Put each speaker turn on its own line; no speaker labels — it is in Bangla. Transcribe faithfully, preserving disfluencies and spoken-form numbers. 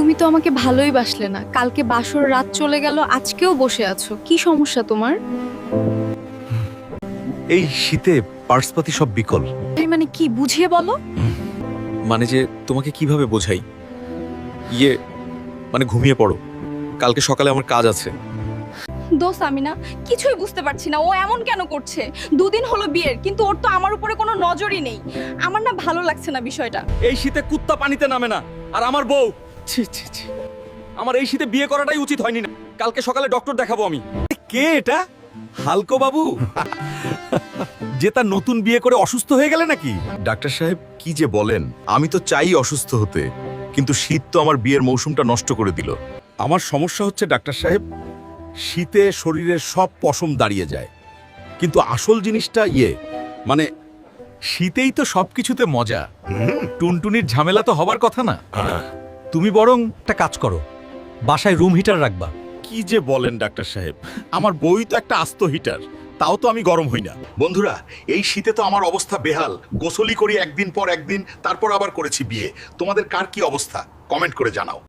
তুমি তো আমাকে ভালোই বাসলে না, কালকে বাসর রাত চলে গেল, আজকেও বসে আছো, কি সমস্যা তোমার?
এই শীতে পার্সপাতি সব বিকল।
এই মানে কি, বুঝিয়ে বলো।
মানে যে তোমাকে কিভাবে বোঝাই, ইয়ে মানে ঘুমিয়ে পড়ো, কালকে সকালে আমার কাজ আছে।
দোষ আমি না, কিছুই বুঝতে পারছি না ও এমন কেন করছে। দুদিন হলো বিয়ের, কিন্তু ওর তো আমার উপরে কোনো নজরই নেই। আমার না ভালো লাগছে না বিষয়টা।
এই শীতে কুত্তা পানিতে নামে না, আর আমার বউ, ছি ছি ছি, আমার এই শীতে বিয়ে করাটাই উচিত হয়নি না। কালকে সকালে ডক্টর দেখাবো আমি।
কে এটা? হালকো বাবু যে তার নতুন বিয়ে করে অসুস্থ হয়ে গেলে নাকি?
ডাক্তার সাহেব কি যে বলেন, আমি তো চাই অসুস্থ হতে, কিন্তু শীত তো আমার বিয়ের মৌসুমটা নষ্ট করে দিল।
আমার সমস্যা হচ্ছে ডাক্তার সাহেব, শীতে শরীরের সব পশম দাঁড়িয়ে যায়, কিন্তু আসল জিনিসটা ইয়ে মানে
শীতেই তো সবকিছুতে মজা। টুনটুনির ঝামেলা তো হবার কথা না। তুমি বরং একটা কাজ করো, বাসায় রুম হিটার রাখবা।
কি যে বলেন ডাক্তার সাহেব, আমার বই তো একটা আস্ত হিটার, তাও তো আমি গরম হই না।
বন্ধুরা, এই শীতে তো আমার অবস্থা বেহাল। গোসলি করি একদিন পর একদিন, তারপর আবার করেছি বিয়ে। তোমাদের কার কি অবস্থা কমেন্ট করে জানাও।